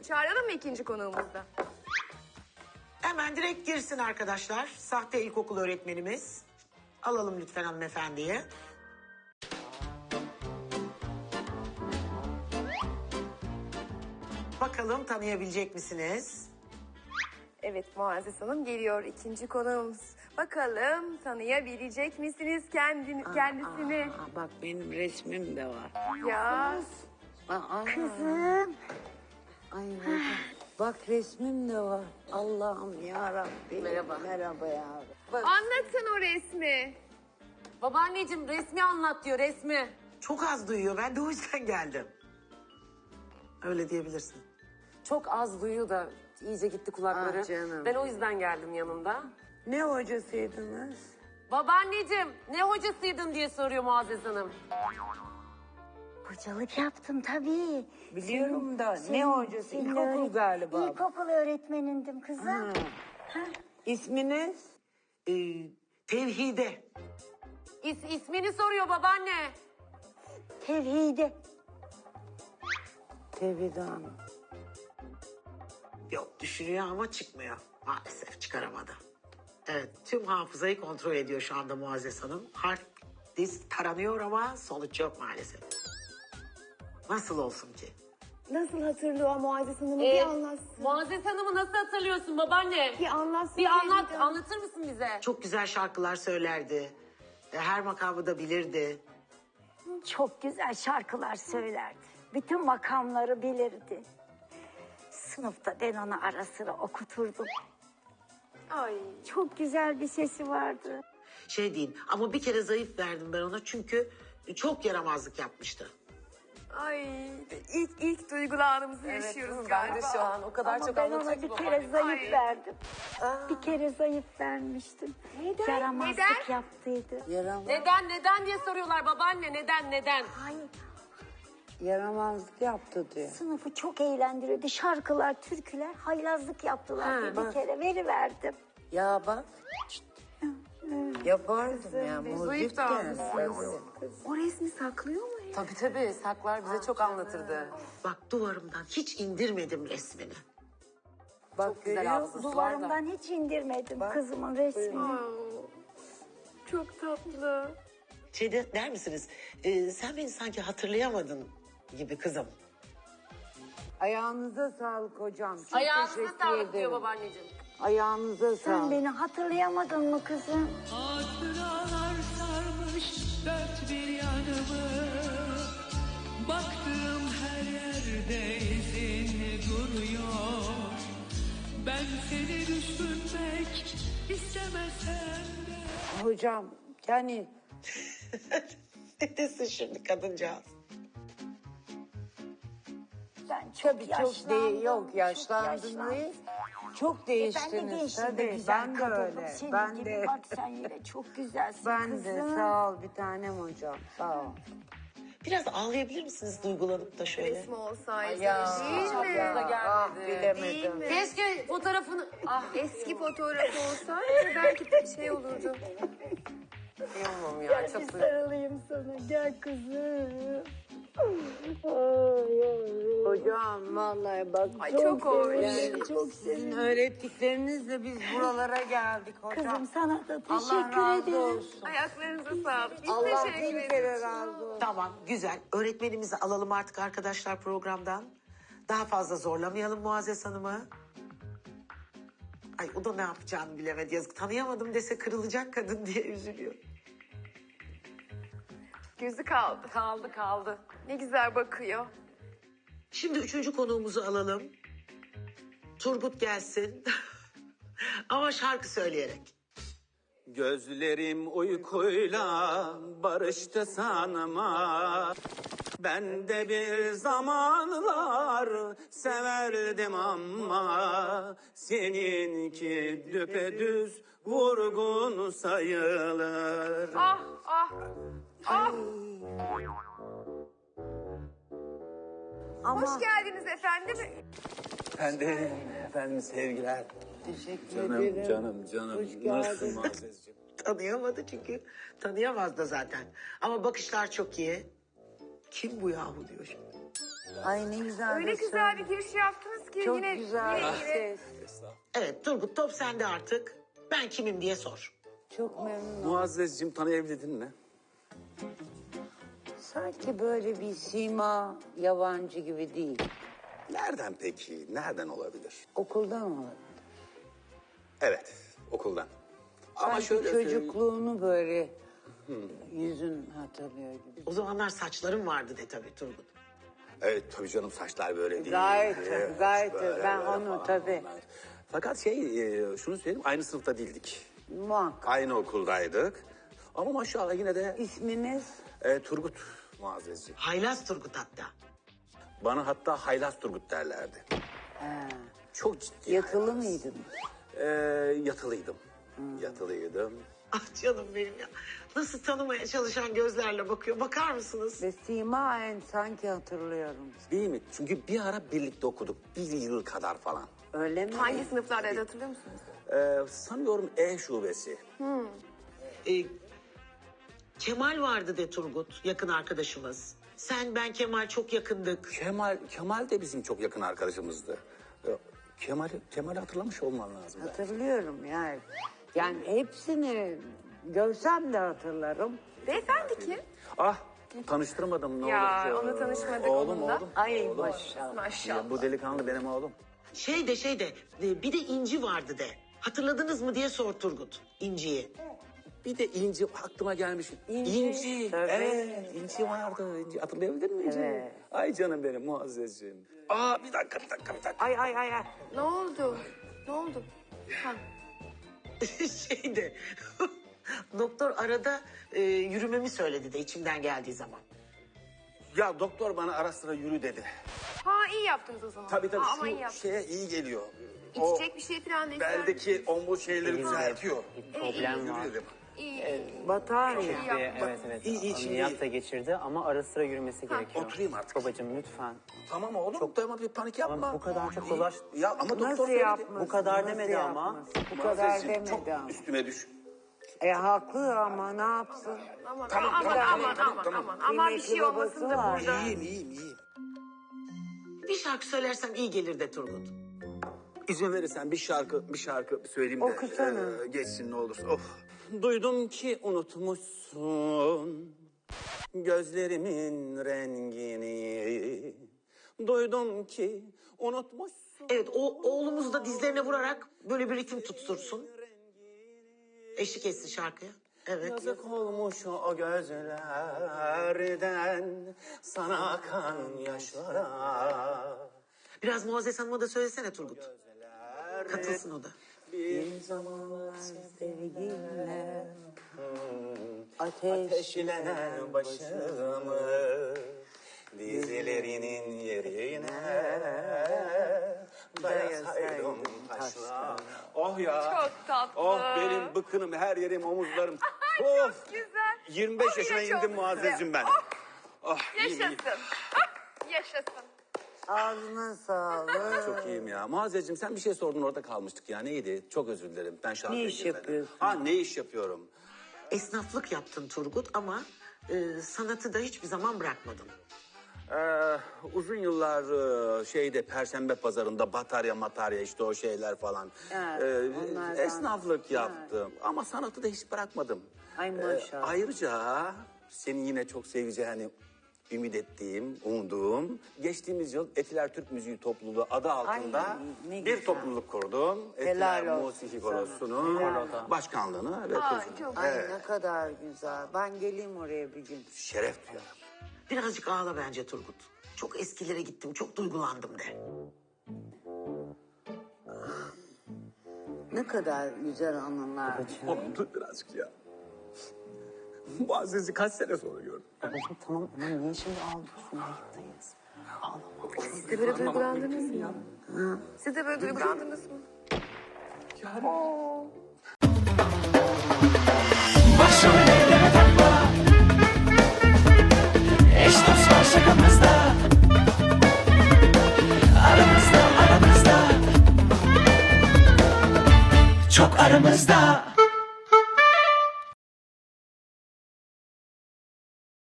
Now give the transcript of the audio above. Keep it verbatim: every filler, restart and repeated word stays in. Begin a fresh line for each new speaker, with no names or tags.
Çağıralım mı ikinci konuğumuzu da?
Hemen direkt girsin arkadaşlar. Sahte ilkokul öğretmenimiz. Alalım lütfen hanımefendiyi. Bakalım tanıyabilecek misiniz?
Evet Muazzez Hanım geliyor ikinci konuğumuz. Bakalım tanıyabilecek misiniz kendini, kendisini?
Aa, bak benim resmim de var.
Ya
Aa,
Kızım.
Ay hocam. Bak resmim de var. Allah'ım ya Rabbi.
Merhaba.
Merhaba ya. Bak,
anlatın o resmi.
Babaanneciğim resmi anlat diyor resmi.
Çok az duyuyor. Ben de o yüzden geldim. Öyle diyebilirsin.
Çok az duyuyor da iyice gitti kulakları.
Ah canım.
Ben o yüzden geldim yanında.
ne hocasıydınız?
Babaanneciğim ne hocasıydın diye soruyor Muazzez Hanım.
Hocalık yaptım tabii.
Biliyorum da
Senin-
ne hocası?
senin
İlkokul
öğret-
galiba.
İlkokul öğretmenindim kızım.
İsminiz?
Ee, tevhide.
İs, ismini soruyor babaanne.
Tevhide.
Tevhide Hanım.
Yok düşünüyor ama çıkmıyor. Maalesef çıkaramadı. Evet tüm hafızayı kontrol ediyor şu anda Muazzez Hanım. Harf disk taranıyor ama sonuç yok maalesef. Nasıl olsun ki?
Nasıl hatırlıyor Muazzez Hanım'ı
Ee,
bir anlatsın.
Muazzez Hanım'ı nasıl hatırlıyorsun babaanne?
Bir anlatsın.
Bir anlat,
Tevhide.
anlatır mısın bize?
Çok güzel şarkılar söylerdi. E, Her makamı da bilirdi.
Çok güzel şarkılar söylerdi. Bütün makamları bilirdi. Sınıfta ben onu ara sıra okuturdum.
Ay.
Çok güzel bir sesi vardı.
Şey diyeyim ama bir kere zayıf verdim ben ona çünkü çok yaramazlık yapmıştı.
Ay. İlk, ilk duygularımızı yaşıyoruz galiba.
Ben de şu an o kadar
Ama
çok
ben ona
anlatıyor
bir
ki
kere
babaanne.
zayıf
Ay.
verdim. Bir kere zayıf vermiştim.
Neden?
Yaramazlık
Neden?
yaptıydı.
Yaramaz,
Neden, neden diye soruyorlar babaanne. Neden, neden?
Hayır.
yaramazlık yaptı diyor.
Sınıfı çok eğlendiriyordu. Şarkılar, türküler, haylazlık yaptılar.
Ha,
diye bir
bak.
kere veriverdim.
Ya bak. Yapardım ya.
zayıf
Muzik
da
de.
O resmi saklıyor mu?
Tabii tabii saklar bize çok anlatırdı.
Bak duvarımdan hiç indirmedim resmini.
Bak
güzel
görüyor
hafızası
musun?
var da.
Duvarımdan hiç indirmedim kızımın resmini.
Aa, çok tatlı.
Şey de, der misiniz? e, sen beni sanki hatırlayamadın gibi kızım.
Ayağınıza sağlık hocam. Çok
Ayağınıza
teşekkür
sağlık
ederim.
diyor babaanneciğim.
Ayağınıza
Sen
sağlık.
beni hatırlayamadın mı kızım?
Hatıralar sarmış dört bir yanımı. Baktığım her yerde izin duruyor. Ben seni düşünmek istemesem de.
Hocam yani
Ne desin şimdi kadıncağız?
Ben çok
tabii çok
yaşlandım.
değil, yok yaşlandın
yaşlandım.
değil. Çok
E, ben de
değiştiniz
gençtim de
tabii.
güzel
Ben de
kadındım.
öyle.
Senin
Ben
gibi
de.
bak sen yine çok güzelsin
Ben
kızım.
de sağ ol bir tanem hocam. Sağ ol.
Biraz ağlayabilir misiniz duygulanıp da şöyle?
Resmi olsaydı.
Ya,
Değil mi?
ya.
Ah
gelmedi.
Değil
bilemedim.
mi?
Keşke fotoğrafını... Ah
Eski fotoğrafı olsaydı belki de şey olurdu.
kıyamam ya
Gel
çok
bir
duy-
sarılayım sana. Gel kızım.
Hocam vallahi bak
Ay çok hoş.
yani
Çok
sizin öğrettiklerinizle biz buralara geldik hocam.
Kızım sana da
Allah
teşekkür
razı
ederim.
olsun.
Ayaklarınıza sağlık. Biz
Allah
teşekkür
bin
ederiz.
kere razı olsun.
Tamam güzel. Öğretmenimizi alalım artık arkadaşlar programdan. Daha fazla zorlamayalım Muazzez Hanım'ı. Ay o da ne yapacağını bilemedi yazık. Tanıyamadım dese kırılacak kadın diye üzülüyor.
Gözü kaldı.
Kaldı kaldı.
Ne güzel bakıyor.
Şimdi üçüncü konuğumuzu alalım. Turgut gelsin. Ama şarkı söyleyerek.
Gözlerim uykuyla barıştı sanma. Ben de bir zamanlar severdim ama seninki düpedüz vurgun sayılır.
Ah ah. Ah.
Ama
Hoş geldiniz efendim.
Ben de efendim sevgiler.
teşekkür
Canım
ederim.
canım canım.
Hoş geldin.
Nasılsın Muazzezciğim?
Tanıyamadı çünkü. Tanıyamaz da zaten. Ama bakışlar çok iyi. Kim bu yahu diyor şimdi.
Ay ne güzel.
Öyle
de
güzel bir
söyle.
giriş yaptınız ki ki
Çok
yine,
güzel
yine,
bir
yine.
ses.
Evet Turgut, top sende artık. Ben kimim diye sor.
Çok memnun oldum.
Muazzezciğim tanıyabildin mi?
Sanki böyle bir sima yabancı gibi değil.
Nereden peki? Nereden olabilir?
Okuldan mı?
Evet, okuldan. Ama
Sanki
şöyle söyleyeyim.
çocukluğunu böyle yüzün hatırlıyor gibi.
O zamanlar saçlarım vardı de tabii Turgut.
Evet tabii canım saçlar böyle değil.
Gayet,
Evet,
gayet.
böyle,
Ben
böyle
onu
falan.
tabii.
Fakat şey e, şunu söyleyeyim aynı sınıfta değildik.
Muhakkak.
Aynı okuldaydık. Ama maşallah yine de
İsminiz?
e, Turgut Muazzezciğim.
Haylaz Turgut hatta.
Bana hatta Haylaz Turgut derlerdi.
Ha.
Çok ciddi.
Yatılı
haylaz.
mıydınız?
E, yatılıydım. Yatılıydım.
Ah canım benim ya. Nasıl tanımaya çalışan gözlerle bakıyor. Bakar mısınız?
Ve simaen sanki hatırlıyorum.
Değil mi? Çünkü bir ara birlikte okuduk. Bir yıl kadar falan.
Öyle mi?
Hangi sınıflardaydı hatırlıyor musunuz?
E, sanıyorum E şubesi.
Ee, Kemal vardı de Turgut, yakın arkadaşımız. Sen, ben, Kemal çok yakındık.
Kemal Kemal de bizim çok yakın arkadaşımızdı. E, Kemal Kemal'i hatırlamış olman lazım. belki.
Hatırlıyorum yani. Yani hepsini görsem de hatırlarım.
Beyefendi kim?
Ah tanıştırmadım ne
Ya,
olur.
onu tanışmadık
Oğlum
onunla.
oğlum.
Ay maşallah.
Maşallah.
Ya, bu delikanlı benim oğlum.
Şey de şey de, e, bir de İnci vardı de. Hatırladınız mı diye sor Turgut, İnci'yi.
Bir de İnci aklıma gelmiş.
İnci,
İnci.
tabii.
Evet İnci vardı. İnci. Hatırlayabildin mi İnci'yi?
Evet.
Ay canım benim Muazzezciğim. Aa bir dakika bir dakika bir dakika.
Ay ay ay ay.
Ne oldu? Ne oldu? Ha.
şey de, doktor arada e, yürümemi söyledi de içimden geldiği zaman.
Ya doktor bana ara sıra yürü dedi.
ha iyi yaptınız o zaman.
Tabii tabii
Ha, ama iyi
şu
yaptınız.
şeye iyi geliyor.
İçecek bir şey falan ne ister misiniz?
Beldeki omur şeyleri düzeltiyor.
Problem var.
Yürü dedim.
İyi.
Batarya.
İyi yaptınız.
Evet evet.
İyi, iyi, şimdi
Ameliyat
iyi.
da geçirdi ama ara sıra yürümesi gerekiyor.
oturayım artık.
Babacığım lütfen.
Tamam oğlum tamam bir panik yapma.
Ama bu kadar çok dolaş.
Ya ama doktor
Nasıl
söyledi.
yapmasın?
Bu kadar
nasıl
demedi ama.
yapmasın? Bu kadar
Muazzezciğim,
demedi
çok
ama.
üstüme düş.
E haklı ama ne yapsın?
Aman
Tamam,
aman
tamam,
aman
tamam,
aman
tamam.
aman. Aman bir
Kıymetli
şey olmasın
babası
da
var.
burada.
İyiyim iyiyim iyiyim.
Bir şarkı söylersem iyi gelir de Turgut.
İzin verirsen bir şarkı bir şarkı söyleyeyim de
Okusana.
e, geçsin ne olursa. Of. Duydum ki unutmuşsun gözlerimin rengini. Duydum ki unutmuşsun.
Evet, o oğlumuz da dizlerine vurarak böyle bir ritim tuttursun. Eşlik etsin şarkıya. Evet.
Yazık olmuş o gözlerden sana akan yaşlara.
Biraz Muazzez Hanım'a da söylesene Turgut. Katılsın o da.
Bir
Zamanlar sevgiyle ateş.
ateşlenen başımı dizlerinin yerine dayasaydım taşla. Oh ya.
Çok tatlı.
Oh benim bıkınım her yerim omuzlarım. of.
Güzel.
yirmi beş
Oh,
yaşına
yine çok
indim Muazzez'cim
güzel.
ben.
Oh,
Oh, iyiyim, iyiyim.
yaşasın. Ah, yaşasın.
Ağzına sağlık.
Çok iyiyim ya. Muazzez'cim sen bir şey sordun orada kalmıştık ya. Neydi? Çok özür dilerim. Ben şarkıya
Ne iş
girmedim.
yapıyorsun?
Ha ne iş yapıyorum?
Esnaflık yaptın Turgut ama e, sanatı da hiçbir zaman bırakmadın.
Ee, uzun yıllar e, şeyde Perşembe pazarında batarya matarya işte o şeyler falan.
Evet,
Ee,
onlardan.
esnaflık yaptım ama sanatı da hiç bırakmadım.
Ay maşallah.
ayrıca senin yine çok seveceğini ümit ettiğim, umduğum geçtiğimiz yıl Etiler Türk Müziği Topluluğu adı altında
Ay, ne
bir
güzel.
topluluk kurdum.
Helal
Etiler
olsun
Musiki
sana.
Korosu'nun
Helal.
başkanlığını ve
Ay,
kuruculuğunu.
çok
Ay ne kadar güzel. Ben geleyim oraya bir gün.
Şeref duyarım.
Birazcık ağla bence Turgut. Çok eskilere gittim, çok duygulandım de.
Ne kadar güzel anılar.
Oğlum dur birazcık ya. Muazzez'i kaç sene sonra gördüm.
Babacığım tamam ama niye şimdi ağlıyorsun? Ayıptayız. Ağlama.
Siz de böyle duygulandınız mı? Siz de böyle duygulandınız mı?
Başrol eyleme takma. Eş dost var şakamızda. Aramızda aramızda. Çok aramızda.